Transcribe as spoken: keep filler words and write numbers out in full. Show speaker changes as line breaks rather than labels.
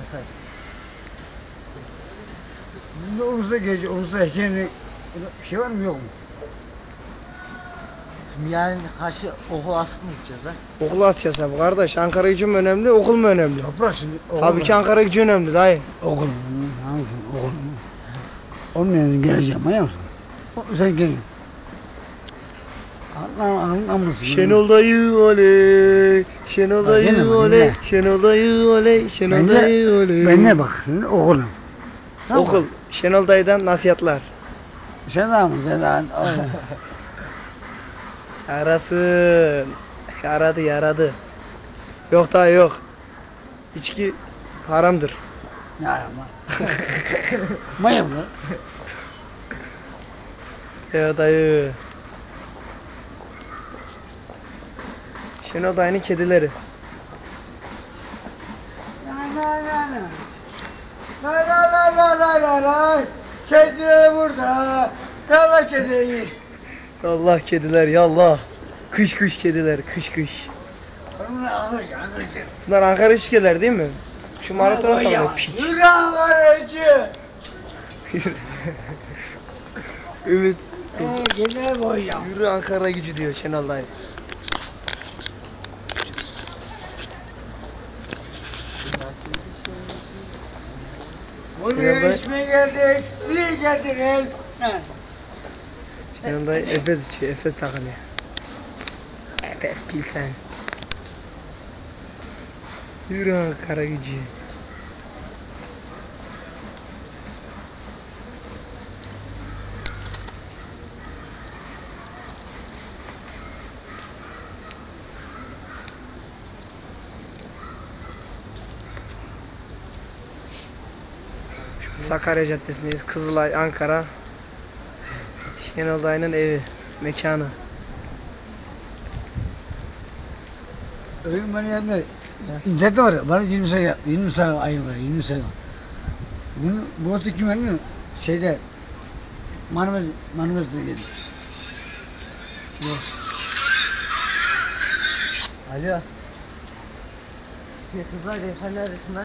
mesaj.
Bunda Ulus'a gece, Ulus'a heykelini bir şey var mı yok mu?
Şimdi yarın karşı okul asıp mı gideceğiz lan?
Okul açacağız abi kardeş. Ankara gücü mü önemli, okul mu önemli?
Toprak şimdi.
Tabii ki Ankara gücü önemli dayı.
Okul. Hangi okul? Olmayan geleceğim, manyak mısın? Sen gel. Allah'ın amısın.
Şenol dayı oley, Şenol dayı
gene mi,
oley,
yine?
Şenol dayı oley, Şenol
Ben
dayı
de,
oley.
ben ne bak şimdi okulum. Tamam mı?
Okul, Şenol dayıdan nasihatler.
Sen de mı? Sen de
Arasın. Yaradı yaradı. Yok dayı yok. İçki haramdır.
Ne yapma? Manyak mı?
Ya dayı. Şenol dayının kedileri.
La la la la. La la la la la la la. Kediler burada. Yallah kediyi.
Allah kediler yallah. Kış kış kediler kış kış.
Bunlar ağır ağır.
Bunlar Ankara üçgeler değil mi? Şu maratona kalıyor piç.
Yürü Ankara'cı.
Ümit.
Eee gene boyayacağım.
Yürü Ankara gücü diyor Şenol dayı.
Buraya içmeye geldik. Niye geldiniz?
Şenol dayı Efes içiyor. Efes takılıyor. Efes Pilsen. Yürü Ankara gücü. Sakarya Caddesi'ndeyiz. Kızılay, Ankara. Şenol dayının evi, mekanı.
Öyle bana yanına İnternette var ya, bana yirmi sene, yirmi sene ayı var, yirmi sene. Bunu, bu otu kim anlıyor? Şeyde, Marmaz, Marmaz'da geldi. Yok.
Alo. Şey kızlar dedim sen neredesin lan?